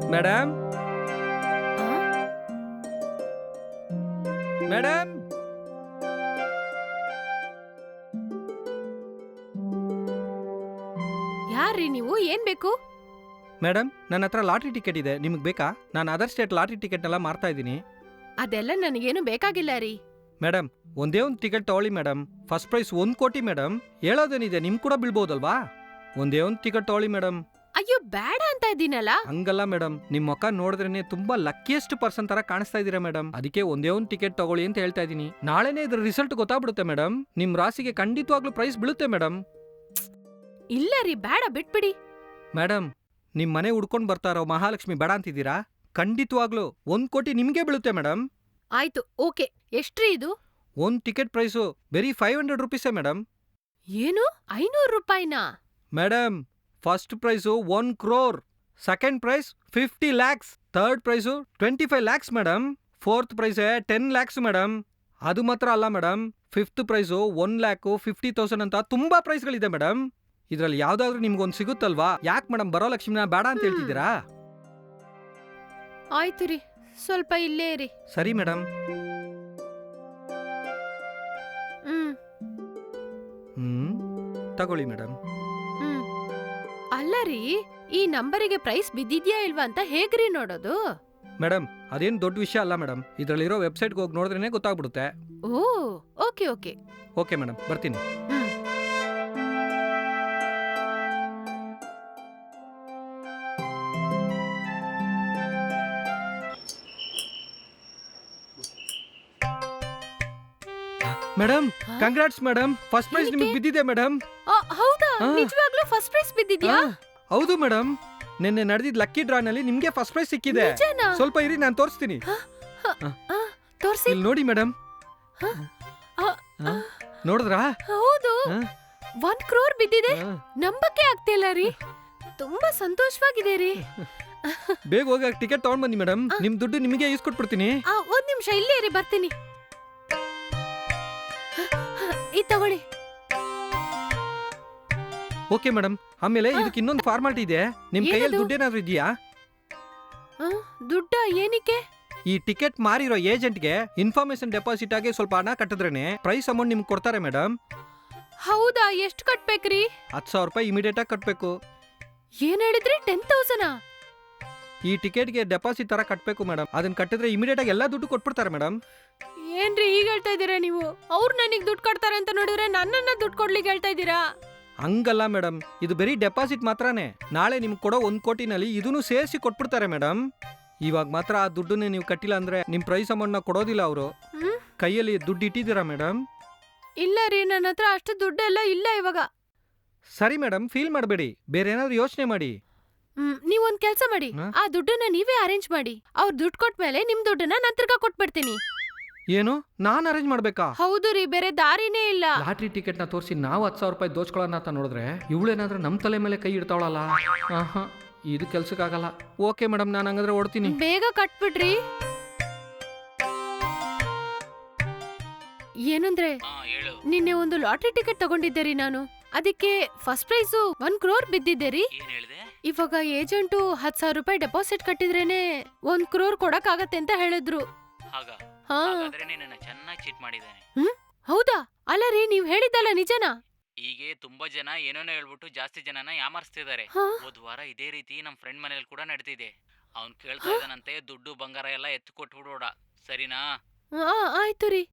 Madam ಆ? Madam ಯಾರ್ರೀ ನೀವು? ಏನ್ ಬೇಕು? ಮೇಡಮ್ ನನ್ನ ಹತ್ರ ಲಾಟ್ರಿ ಟಿಕೆಟ್ ಇದೆ, ನಿಮಗೆ ಬೇಕಾ? ನಾನು ಅದರ್ ಸ್ಟೇಟ್ ಲಾಟ್ರಿ ಟಿಕೆಟ್ ಎಲ್ಲ ಮಾರ್ತಾ ಇದ್ದೀನಿ. ಅದೆಲ್ಲ ನನಗೇನು ಬೇಕಾಗಿಲ್ಲ ರೀ. ಮೇಡಮ್ ಒಂದೇ ಒಂದು ಟಿಕೆಟ್ ತಗೊಳ್ಳಿ ಮೇಡಮ್. ಫಸ್ಟ್ ಪ್ರೈಸ್ 1 ಕೋಟಿ ಮೇಡಮ್. ಹೇಳೋದೇನಿದೆ, ನಿಮ್ ಕೂಡ ಬೀಳ್ಬೋದಲ್ವಾ? ಒಂದೇ ಒಂದು ಟಿಕೆಟ್ ತಗೊಳ್ಳಿ ಮೇಡಮ್. ಅಯ್ಯೋ ಬೇಡ ಅಂತ ಇದ್ದೀನಲ್ಲ. ಹಂಗಲ್ಲ ಮೇಡಮ್, ನಿಮ್ ಮುಖ ನೋಡಿದ್ರೇನೆ ತುಂಬಾ ಲಕ್ಕಿಯೆಸ್ಟ್ ಪರ್ಸನ್ ತರ ಕಾಣಿಸ್ತಾ ಇದೀರಾ ಮೇಡಮ್. ಅದಕ್ಕೆ ಒಂದೇ ಒಂದು ಟಿಕೆಟ್ ತಗೊಳ್ಳಿ ಅಂತ ಹೇಳ್ತಾ ಇದೀನಿ. ನಾಳೆನೇ ಇದ್ರ ರಿಸಲ್ಟ್ ಗೊತ್ತಾಗ್ಬಿಡುತ್ತೆ ಮೇಡಮ್. ನಿಮ್ ರಾಸಿಗೆ ಖಂಡಿತವಾಗ್ಲೂ ಪ್ರೈಸ್ ಬೀಳುತ್ತೆ ಮೇಡಮ್. ಇಲ್ಲ ರೀ, ಬೇಡ, ಬಿಟ್ಬಿಡಿ. ಮೇಡಮ್ ನಿಮ್ ಮನೆ ಹುಡ್ಕೊಂಡ್ ಬರ್ತಾರೋ ಮಹಾಲಕ್ಷ್ಮಿ ಬೇಡ ಅಂತಿದ್ದೀರಾ? ಖಂಡಿತವಾಗ್ಲೂ 1 ಕೋಟಿ ನಿಮ್ಗೆ ಬೀಳುತ್ತೆ ಮೇಡಮ್. ಆಯ್ತು, ಓಕೆ. ಎಷ್ಟ್ರಿ ಇದು? ಒಂದು ಟಿಕೆಟ್ ಪ್ರೈಸು ಬರೀ 500 ರುಪೀಸೇ ಮೇಡಮ್. ಏನು, 500 ರೂಪಾಯಿನಾ? Madam first prize 1 crore, second prize 50 lakhs, third prize 25 lakhs madam, fourth prize 10 lakhs madam. ಅದು ಮಾತ್ರ ಅಲ್ಲ ಮೇಡಮ್, ಫಿಫ್ತ್ ಪ್ರೈಸು 1,50,000 ಅಂತ ತುಂಬಾ ಪ್ರೈಸ್ಗಳಿದೆ ಮೇಡಮ್. ಇದ್ರಲ್ಲಿ ಯಾವ್ದಾದ್ರು ನಿಮ್ಗೊಂದು ಸಿಗುತ್ತಲ್ವಾ? ಯಾಕೆ ಮೇಡಮ್ ಬರೋ ಲಕ್ಷ್ಮಿನ ಬೇಡ ಅಂತ ಹೇಳ್ತಿದ್ದೀರಾ? ಆಯ್ತು ರೀ, ಸ್ವಲ್ಪ ಇಲ್ಲೇ ಇರಿ. ಸರಿ ಮೇಡಮ್. ಹ್ಮ್ ತಗೊಳ್ಳಿ ಮೇಡಮ್. ಹ್ಮ್ ಅಲ್ಲ ರೀ, ಈ ನಂಬರಿಗೆ ಪ್ರೈಸ್ ಬಿದ್ದಿದ್ಯಾ ಇಲ್ವಾ ಅಂತ ಹೇಗ್ರಿ ನೋಡೋದು? ಮೇಡಮ್ ಅದೇನು ದೊಡ್ಡ ವಿಷಯ ಅಲ್ಲ ಮೇಡಮ್. ಇದ್ರಲ್ಲಿರೋ ವೆಬ್ಸೈಟ್ಗೆ ಹೋಗಿ ನೋಡಿದ್ರೇನೆ ಗೊತ್ತಾಗ್ಬಿಡುತ್ತೆ. ಓ, ಓಕೆ ಓಕೆ. ಓಕೆ ಮೇಡಮ್, ಬರ್ತೀನಿ. ಹ್ಮ್ ಮೇಡಮ್ ಹಾ? ಕಂಗ್ರಾಟ್ಸ್ ಮೇಡಮ್, ಫಸ್ಟ್ ಪ್ರೈಸ್ ಏನಕ್ಕೆ? ನಿಮಗೆ ಬಿದ್ದಿದೆ ಮೇಡಮ್. ಹೌದಾ? ಆ. ನಿಜವಾಗ್ಲೂ ಫಸ್ಟ್ ಪ್ರೈಸ್ ಬಿದ್ದಿದ್ಯಾ? ಹೌದು ಮೇಡಮ್, ನಿನ್ನೆ ನಡೆದಿದ್ದ ಲಕ್ಕಿ ಡ್ರಾನಲ್ಲಿ ನಿಮ್ಗೆ ಫಸ್ಟ್ ಪ್ರೈಸ್ ಸಿಕ್ಕಿದೆ. ನಿಜನಾ? ಸ್ವಲ್ಪ ಇರಿ, ನಾನು ತೋರಿಸ್ತೀನಿ. ತೋರ್ಸಿ. ಇಲ್ಲಿ ನೋಡಿ ಮೇಡಮ್. ಆ, ನೋಡಿದ್ರಾ? ಹೌದು, ಆ, 1 crore ಬಿದ್ದಿದೆ. ಆ. ನಂಬಕ್ಕೆ ಆಗ್ತಿಲ್ಲ ರೀ. ತುಂಬಾ ಸಂತೋಷವಾಗಿದೆ ರೀ. ಬೇಗ ಹೋಗಿ ಟಿಕೆಟ್ ತಗೊಂಡ್ ಬನ್ನಿ ಮೇಡಮ್. ನಿಮ್ ದುಡ್ಡು ನಿಮಗೆ ಇಸ್ಕೊಟ್ಬಿಡ್ತೀನಿ. ಒಂದ್ ನಿಮಿಷ ಇಲ್ಲೇ ಇರಿ, ಬರ್ತೀನಿ. ಇದ್ ತಗೊಳ್ಳಿ. Okay madam. ಆಮೇಲೆ ಇದಕ್ಕೆ ಇನ್ನೊಂದು ಫಾರ್ಮಾಲಿಟಿ ಇದೆ. ನಿಮ್ ಕೈಯಲ್ಲಿ ಏನದು? ದುಡ್ಡೇನಾದ್ರು ಇದೆಯಾ? ದುಡ್ಡ ಏನಕ್ಕೆ? ಈ ಟಿಕೆಟ್ ಮಾರಿರೋ ಏಜೆಂಟ್ಗೆ ಇನ್ಫಾರ್ಮೇಶನ್ ಡೆಪಾಸಿಟ್ ಆಗಿ ಸ್ವಲ್ಪ ಹಣ ಕಟ್ಟಿದ್ರೇನೆ ಪ್ರೈಸ್ ಅಮೌಂಟ್ ನಿಮ್ಗೆ ಕೊಡ್ತಾರೆ ಮೇಡಮ್. ಹೌದಾ? ಎಷ್ಟು ಕಟ್ಬೇಕ್ರಿ? 10,000 ರೂಪಾಯಿ ಇಮಿಡಿಯೇಟ್ ಆಗಿ ಕಟ್ಬೇಕು. ಏನ್ ಹೇಳಿದ್ರಿ? 10,000? ಈ ಟಿಕೆಟ್ಗೆ ಡೆಪಾಸಿಟ್ ತರ ಕಟ್ಬೇಕು ಮೇಡಮ್. ಅದನ್ನ ಕಟ್ಟಿದ್ರೆ ಇಮಿಡಿಯೇಟ್ ಆಗಿ ಎಲ್ಲಾ ದುಡ್ಡು ಕೊಟ್ಬಿಡ್ತಾರೆ ಮೇಡಮ್. ಏನ್ರಿ ಹೀಗ್ ಹೇಳ್ತಾ ಇದೀರಾ ನೀವು? ಅವ್ರು ನನಗ್ ದುಡ್ಡು ಕೊಡ್ತಾರೆ ಅಂತ ನೋಡಿದ್ರೆ ನನ್ನನ್ನ ದುಡ್ಡು ಕೊಡ್ಲಿಕ್ಕೆ ಹೇಳ್ತಾ ಇದೀರಾ? ಹಂಗಲ್ಲ ಮೇಡಮ್, ಇದು ಬರೀ ಡೆಪಾಸಿಟ್ ಮಾತ್ರನೇ. ನಾಳೆ ನಿಮ್ಗೆ ಕೊಡೋ 1 ಕೋಟಿನಲ್ಲಿ ಇದನ್ನು ಸೇರಿಸಿ ಕೊಟ್ಬಿಡ್ತಾರೆ ಮೇಡಮ್. ಇವಾಗ ಮಾತ್ರ ಆ ದುಡ್ಡನ್ನೇ ನೀವು ಕಟ್ಟಿಲ್ಲ ಅಂದ್ರೆ ನಿಮ್ ಪ್ರೈಸ್ ಅಮೌಂಟ್ನ ಕೊಡೋದಿಲ್ಲ ಅವರು. ಹ್ಮ್? ಕೈಯಲ್ಲಿ ದುಡ್ಡು ಇಟ್ಟಿದ್ದೀರಾ ಮೇಡಮ್? ಇಲ್ಲ ರೀ, ನನ್ನ ಹತ್ರ ಅಷ್ಟು ದುಡ್ಡೆಲ್ಲ ಇಲ್ಲ ಇವಾಗ. ಸರಿ ಮೇಡಮ್, ಫೀಲ್ ಮಾಡಬೇಡಿ, ಬೇರೆ ಏನಾದ್ರು ಯೋಚನೆ ಮಾಡಿ. ನೀವೊಂದ್ ಕೆಲ್ಸ ಮಾಡಿ, ಹಾ? ಆ ದುಡ್ಡನ್ನ ನೀವೇ ಅರೇಂಜ್ ಮಾಡಿ. ಅವ್ರು ದುಡ್ಡು ಕೊಟ್ಮೇಲೆ ನಿಮ್ ದುಡ್ಡನ್ನ ನಾನ್ ತಿರ್ಗಾ ಕೊಟ್ಬಿಡ್ತೀನಿ. ಏನು, ನಾನ್ ಅರೇಂಜ್ ಮಾಡ್ಬೇಕಾ? ಹೌದು ರೀ, ಬೇರೆ ದಾರಿನೇ ಇಲ್ಲ. ಲಾಟ್ರಿ ಟಿಕೆಟ್ ನ ತೋರಿಸಿ ನಾವು 10,000 ರೂಪಾಯಿ ದೋಚ್ಕೊಳ್ಳೋಣ ಅಂತ ನೋಡಿದ್ರೆ ಇವಳೇನಾದ್ರೂ ನಮ್ ತಲೆ ಮೇಲೆ ಕೈ ಇಡ್ತಾವಳಲ್ಲ. ಆಹಾ, ಇದು ಕೆಲ್ಸಕ್ಕಾಗಲ್ಲ. ಓಕೆ ಮೇಡಮ್, ನಾನು ಹಂಗಾದ್ರೆ ಓಡ್ತೀನಿ. ಬೇಗ ಕಟ್ಬಿಡ್ರಿ. ಏನಂದ್ರೆ ನಿನ್ನೆ ಒಂದು ಲಾಟ್ರಿ ಟಿಕೆಟ್ ತಗೊಂಡಿದ್ದೆ ರೀ ನಾನು. ಅದಕ್ಕೆ ಫಸ್ಟ್ ಪ್ರೈಸು 1 crore ಬಿದ್ದಿದ್ದೆ ರೀ. ಇವಾಗ ಏಜೆಂಟು 10,000 ರೂಪಾಯಿ ಡೆಪಾಸಿಟ್ ಕಟ್ಟಿದ್ರೇನೆ 1 crore ಕೊಡಕ್ ಆಗತ್ತೆ ಅಂತ ಹೇಳಿದ್ರು. ಹಾ. ಚೆನ್ನಾಗಿ ಚೀಟ್ ಮಾಡಿದ್ದಾನೆ. ಹೌದಾ? ಅಲ್ಲ ರೀ, ನೀವ್ ಹೇಳಿದ್ದಲ್ಲ ನಿಜನಾ? ಹೀಗೆ ತುಂಬಾ ಜನ ಏನೇನೋ ಹೇಳ್ಬಿಟ್ಟು ಜಾಸ್ತಿ ಜನನ ಯಾಮಾರಿಸ್ತಿದ್ದಾರೆ. ಹಾ. ಹೋದ್ ವಾರ ಇದೇ ರೀತಿ ನಮ್ ಫ್ರೆಂಡ್ ಮನೇಲಿ ಕೂಡ ನಡೆದಿದೆ. ಅವ್ನ್ ಕೇಳ್ತಾ ಇದ್ದಾನಂತೆ ದುಡ್ಡು ಬಂಗಾರ ಎಲ್ಲ ಎತ್ತು ಕೊಟ್ಬಿಡೋಡ, ಸರಿನಾ? ಆಯ್ತು ರೀ.